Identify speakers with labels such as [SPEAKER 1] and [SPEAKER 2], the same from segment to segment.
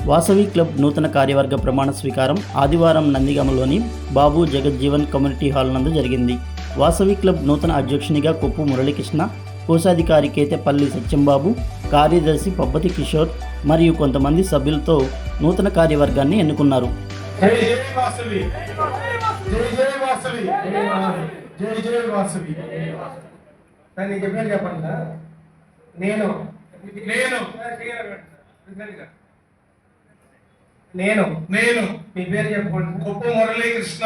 [SPEAKER 1] Vasavi club నూతన కార్యవర్గ ప్రమాణ స్వీకారం ఆదివారం నందిగామలోని బాబు జగజ్జీవన్ కమ్యూనిటీ హాల్ నందు జరిగింది. వాసవి క్లబ్ నూతన అధ్యక్షునిగా కొప్పు మురళీకృష్ణ, కోశాధికారి కేతేపల్లి సత్యంబాబు, కార్యదర్శి పబ్బతి కిషోర్ మరియు కొంతమంది సభ్యులతో నూతన కార్యవర్గాన్ని ఎన్నుకున్నారు.
[SPEAKER 2] నేను మీ పేరు చెప్పండి. కొప్పు మురళీకృష్ణ,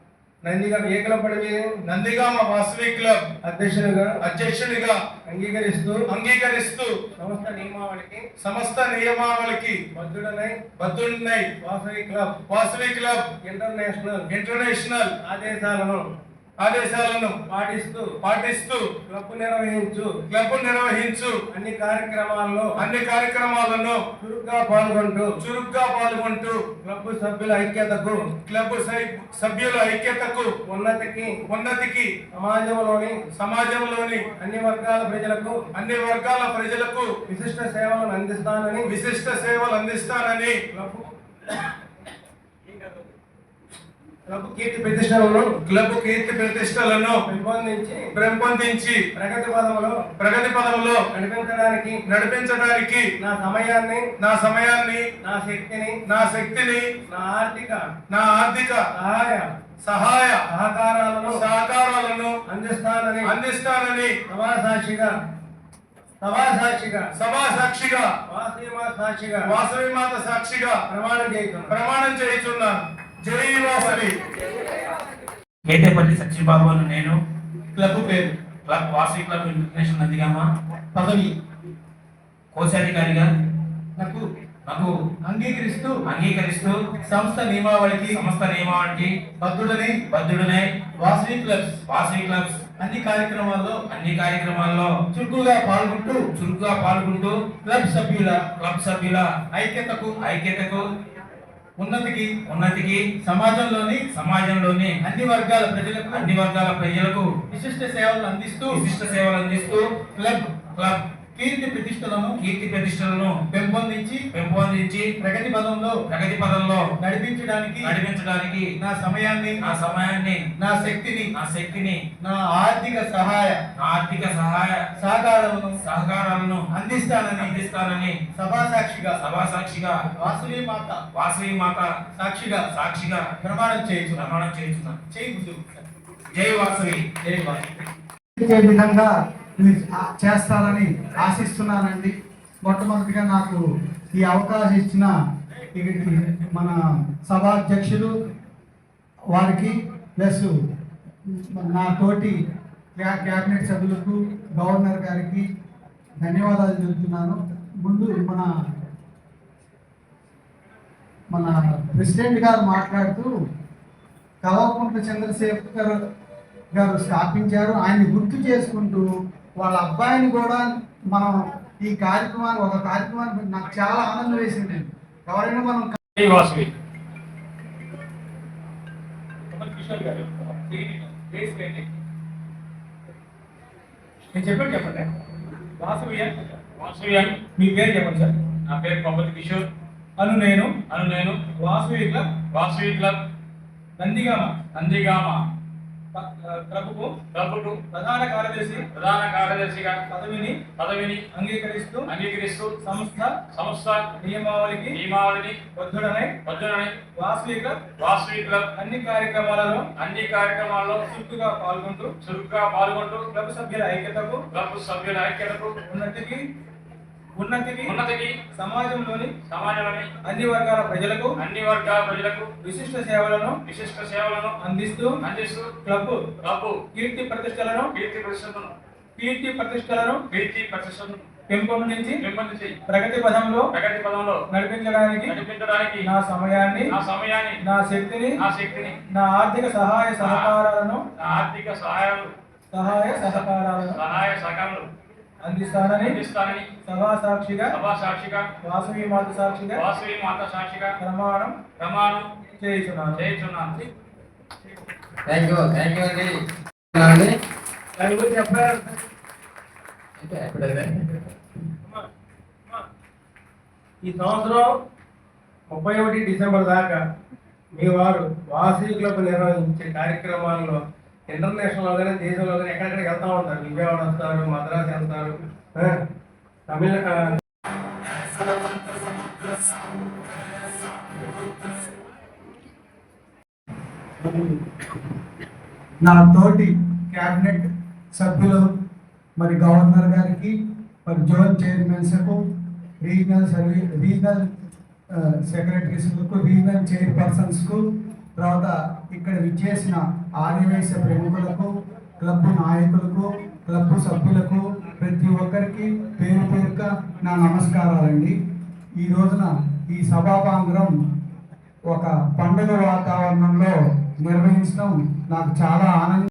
[SPEAKER 2] నందిగామ వాసవి క్లబ్ అధ్యక్షునిగా అంగీకరిస్తూ సమస్త నియమావళికి బద్ధుడనై వాసవి క్లబ్ ఇంటర్నేషనల్ ఆదేశాలను పాటిస్తూ క్లబ్ నిర్వహించు అన్ని కార్యక్రమాలను చురుగ్గా పాల్గొంటూ క్లబ్ సభ్యుల ఐక్యతకు ఉన్నతికి సమాజంలోని అన్ని వర్గాల ప్రజలకు విశిష్ట సేవలు అందిస్తానని క్లబ్ కీర్తి ప్రతిష్టలను పెంపొందించి ప్రగతి పదములో నడిపించడానికి నా సమయాన్ని నా శక్తిని నా ఆర్థిక సహాయ సహకారాలను అందిస్తానని వాసవి మాత సాక్షిగా ప్రమాణం చేయుచున్నాను. జై వాసవి.
[SPEAKER 3] కేతేపల్లి సత్యబాబు అని నేను.
[SPEAKER 2] క్లబ్ పేరు
[SPEAKER 3] వాసవి క్లబ్ ఇంటర్నేషనల్ నందిగామ.
[SPEAKER 2] పదవి
[SPEAKER 3] కోశాధికారిగా
[SPEAKER 2] నాకు
[SPEAKER 3] అంగీకరిస్తూ
[SPEAKER 2] సంస్థ నియమావళికి
[SPEAKER 3] బద్ధుడనే
[SPEAKER 2] వాసవి క్లబ్స్
[SPEAKER 3] అన్ని కార్యక్రమాల్లో
[SPEAKER 2] చురుకుగా పాల్గొంటూ క్లబ్ సభ్యుల ఐక్యతకు ఉన్నతికి సమాజంలోని అన్ని వర్గాల ప్రజలకు విశిష్ట సేవలు అందిస్తూ క్లబ్ కీర్తి ప్రతిష్టలను పెంపొందించి ప్రగతి పదంలో నడిపించడానికి నా సమయాన్ని నా శక్తిని నా ఆర్థిక సహాయ సహకారాలను అందిస్తానని సభా సాక్షిగా వాసవి మాత సాక్షిగా ప్రమాణం చేయించున్నాను.
[SPEAKER 3] జై వాసవి.
[SPEAKER 4] విధంగా చేస్తారని ఆశిస్తున్నానండి. మొట్టమొదటిగా నాకు ఈ అవకాశం ఇచ్చిన మన సభాధ్యక్షులు వారికి ప్లస్ నా తోటి క్యాబినెట్ సభ్యులకు గవర్నర్ గారికి ధన్యవాదాలు చెబుతున్నాను. ముందు మన ప్రెసిడెంట్ గారు మాట్లాడుతూ కల్వకుంట్ల చంద్రశేఖర్ గారు స్థాపించారు. ఆయన గుర్తు చేసుకుంటూ వాళ్ళ అబ్బాయిని కూడా మనం ఈ కార్యక్రమాన్ని నాకు చాలా ఆనందం వేసింది. ఎవరైనా మనం
[SPEAKER 2] చెప్పండి. మీ పేరు చెప్పండి సార్.
[SPEAKER 3] నా పేరు పబ్బతి కిషోర్.
[SPEAKER 2] అను నేను
[SPEAKER 3] వాసవి క్లబ్ నందిగామ
[SPEAKER 2] ప్రభుకు ప్రధాన కార్యదర్శిగా పదవిని అంగీకరిస్తూ సంస్థ నియమావళికి బద్ధుడనై వాసవి క్లబ్ అన్ని కార్యక్రమాలలో చురుకుగా పాల్గొంటూ క్లబ్ సభ్యుల ఐక్యతకు ఉన్నతికి సమాజంలోని అన్ని వర్గాల ప్రజలకు విశిష్ట సేవలను అందిస్తూ క్లబ్ కీర్తి ప్రతిష్టలను పెంపొందించి ప్రగతి పదంలో నడిపించడానికి నా సమయాన్ని నా శక్తిని నా ఆర్థిక సహాయ సహకారాలను అందిస్తానని సభా సాక్షిగా వాసవి మాత సాక్షిగా ప్రమాణం చేయుచున్నాను.
[SPEAKER 5] థ్యాంక్ యూ అండి.
[SPEAKER 2] ఈ సంవత్సరం 31 డిసెంబర్ దాకా మీ వారు వాసవి క్లబ్ నిర్వహించే కార్యక్రమాల్లో ఇంటర్నేషనల్ గానీ దేశంలో కానీ ఎక్కడెక్కడికి వెళ్తా ఉంటారు. విజయవాడ వస్తారు, మద్రాసు వెళ్తారు, తమిళ
[SPEAKER 4] నా తోటి క్యాబినెట్ సభ్యులు, మరి గవర్నర్ గారికి, మరి జోన్ చైర్మన్స్కు, రీజనల్ సెక్రటరీస్కు, రీజనల్ చైర్పర్సన్స్కు, తర్వాత ఇక్కడ విచ్చేసిన ఆర్యవైశ్య ప్రముఖులకు, క్లబ్ నాయకులకు, క్లబ్ సభ్యులకు, ప్రతి ఒక్కరికి పేరు పేరుగా నా నమస్కారాలండి. ఈ రోజున ఈ సభాభాంగం ఒక పండుగ వాతావరణంలో నిర్వహించడం నాకు చాలా ఆనందం.